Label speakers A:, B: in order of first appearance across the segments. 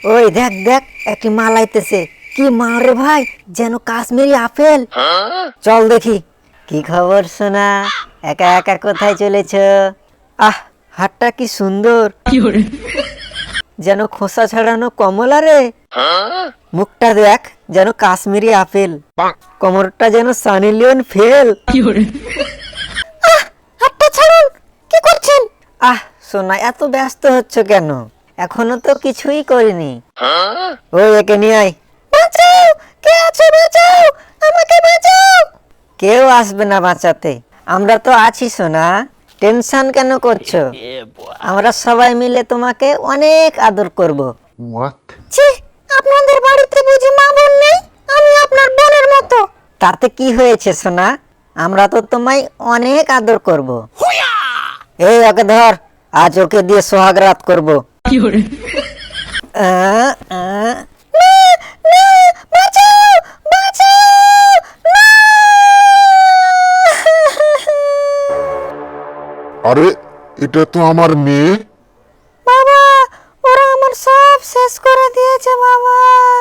A: ওই দেখ দেখ একটি মাল আইতেছে। কি মাল রে ভাই, যেন কাশ্মীরি আপেল। চল দেখি। কি খবর সোনা, একা একা কোথায় চলেছ? আহ, হাতটা কি সুন্দর, যেন খোসা ছাড়ানো কমলা রে। মুখটা দেখ যেন কাশ্মীরি আপেল, কোমরটা যেন সানি লিওন ফেল। হাতটা ছাড়ুন, কি করছেন? আহ সোনা, এত ব্যস্ত হচ্ছ কেন? এখনো তো কিছুই করিনি। ওই একে নিয়ে আয়। বাঁচাও, কে আছো? বাঁচাও, আমাকে বাঁচাও। কেউ আসবে না বাঁচাতে, আমরা তো আছি সোনা। টেনশন কেন করছো? আমরা সবাই মিলে তোমাকে অনেক আদর করব। ছি, আপনাদের বাড়িতে বুঝি মা বোন নেই? আমি আপনার বোনের মতো। তাতে কি হয়েছে সোনা, আমরা তো তোমায় অনেক আদর করব। এই ওকে ধর, আজ ওকে দিয়ে সোহাগ রাত করব। বাঁচাও, বাঁচাও, না!
B: আরে, এটা তো আমার মেয়ে।
A: বাবা, ওরা আমার সব শেষ করে দিয়েছে বাবা।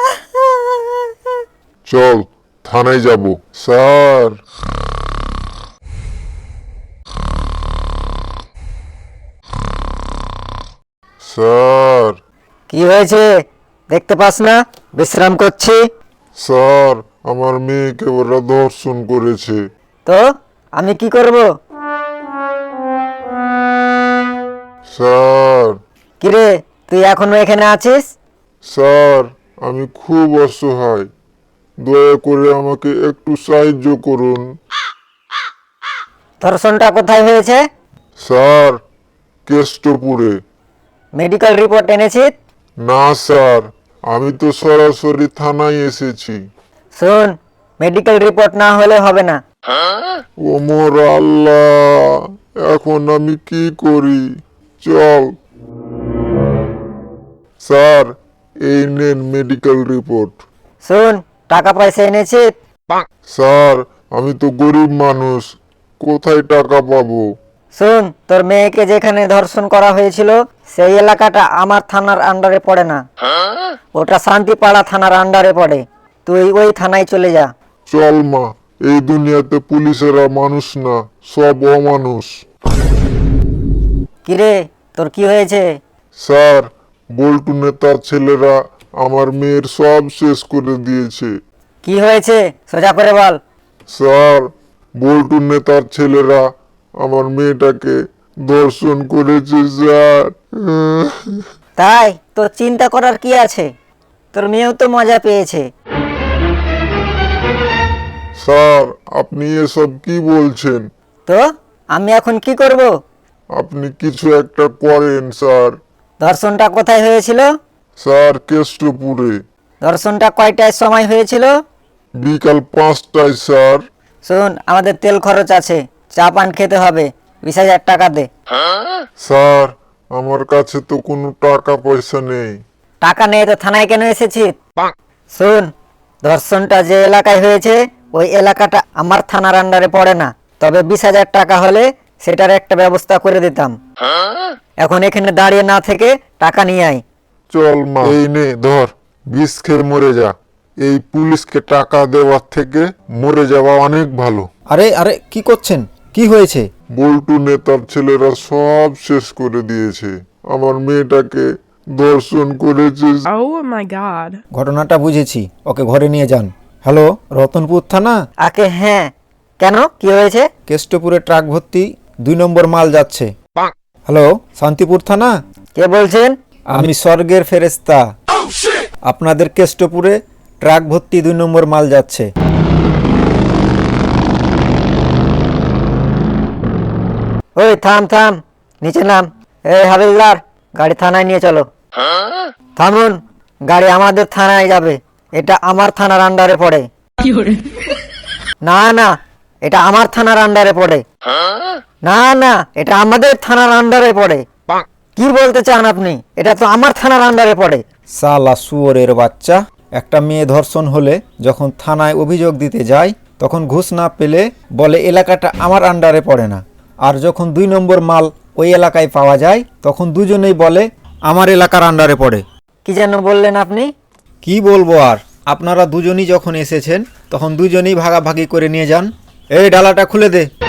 B: চল থানায় যাব। স্যার, স্যার,
A: কি হয়েছে, দেখতে পাস না বিশ্রাম করছি?
B: স্যার, আমার মেয়েকে ওরা ধর্ষণ করেছে।
A: তো আমি কি করব?
B: স্যার,
A: কিরে, তুই এখনো এখানে আছিস?
B: স্যার, আমি খুব অসহায়, দয়া করে আমাকে একটু সাহায্য করুন।
A: ধর্ষণটা কোথায় হয়েছে?
B: স্যার, কেষ্টপুরে।
A: মেডিকেল রিপোর্ট এনেছিস?
B: না স্যার, আমি তো সরাসরি থানায় এসেছি।
A: শোন, মেডিকেল রিপোর্ট না হলে হবে না।
B: ওমর আল্লাহ, এখন আমি কি করি? চল। স্যার, এই নেন মেডিকেল রিপোর্ট।
A: শোন, টাকা পয়সা এনেছিস?
B: স্যার, আমি তো গরিব মানুষ, কোথায় টাকা পাবো?
A: শোন, তোর মেয়েকে যেখানে ধর্ষণ করা হয়েছিল সেই এলাকাটা আমার থানার আন্ডারে পড়ে না, ওটা শান্তিপাড়া থানার আন্ডারে পড়ে। তুই ওই থানায় চলে যা।
B: চল মা, এই দুনিয়াতে পুলিশেরা মানুষ না, সব অমানুষ।
A: কিরে, তোর কি হয়েছে?
B: স্যার, বল্টু নেতার ছেলেরা আমার মেয়ের সব শেষ করে দিয়েছে।
A: কি হয়েছে সোজা করে বল।
B: স্যার, বল্টু নেতার ছেলেরা আমার মেয়েটাকে ধর্ষণ করেছে স্যার।
A: তাই তোর চিন্তা করার কি আছে? তোর মেয়েও তো মজা পেয়েছে।
B: স্যার, আপনি এসব কি বলছেন?
A: তো আমি এখন কি করব?
B: আপনি কিছু একটা করেন স্যার।
A: ধর্ষণটা কোথায় হয়েছিল?
B: স্যার, কেষ্টপুরে।
A: ধর্ষণটা কয়টায় সময় হয়েছিল?
B: বিকাল 5টায় স্যার।
A: শোন, আমাদের তেল খরচ আছে, চা পান খেতে হবে, 20,000 টাকা দে।
B: স্যার, আমার কাছে তো কোনো টাকা পয়সা নেই।
A: টাকা নেই তো থানায় কেন এসেছিস? শোন, ধর্ষণটা যে এলাকায় হয়েছে ওই এলাকাটা আমার থানার আন্ডারে পড়ে না, তবে 20,000 টাকা হলে সেটার একটা ব্যবস্থা করে দিতাম। এখন এখানে দাঁড়িয়ে না থেকে টাকা নিয়ে আয়।
B: চল মা, এই নে ধর, বিষ খেয়ে মরে যা। এই পুলিশকে টাকা দেওয়ার থেকে মরে যাওয়া অনেক ভালো।
C: আরে আরে, কি করছেন? কি হয়েছে?
B: বল্টু নেতার ছেলেরা সব শেষ করে দিয়েছে, আমার মেয়েটাকে ধর্ষণ করেছে।
D: Oh my god.
C: ঘটনাটা বুঝেছি, ওকে ঘরে নিয়ে যান। হ্যালো, রতনপুর থানা?
A: আকে হ্যাঁ, কেন কি হয়েছে?
C: কেষ্টপুরে ট্রাক ভর্তি 2 নম্বর মাল যাচ্ছে। হ্যালো, শান্তিপুর থানা?
A: কে বলছেন?
C: আমি স্বর্গের ফেরেশতা। আপনাদের কেষ্টপুরে ট্রাক ভর্তি 2 নম্বর মাল যাচ্ছে।
A: ওই থাম থাম, নিচে নাম। এই হাবিলদার, গাড়ি থানায় নিয়ে চলো। থামুন, গাড়ি আমাদের থানায় যাবে, এটা আমার থানার আন্ডারে পড়ে। না না, এটা আমার থানার আন্ডারে পড়ে। না না, এটা আমাদের থানার আন্ডারে পড়ে। কি বলতে চান আপনি? এটা তো আমার থানার আন্ডারে পড়ে।
C: সালা শুয়োরের বাচ্চা, একটা মেয়ে ধর্ষণ হলে যখন থানায় অভিযোগ দিতে যায় তখন ঘুষ না পেলে বলে এলাকাটা আমার আন্ডারে পড়ে না, আর যখন 2 নম্বর মাল ওই এলাকায় পাওয়া যায় তখন দুজনেই বলে আমার এলাকার আন্ডারে পড়ে।
A: কি যেন বললেন আপনি?
C: কি বলবো আর, আপনারা দুজনই যখন এসেছেন তখন দুজনেই ভাগাভাগি করে নিয়ে যান। এই ডালাটা খুলে দে।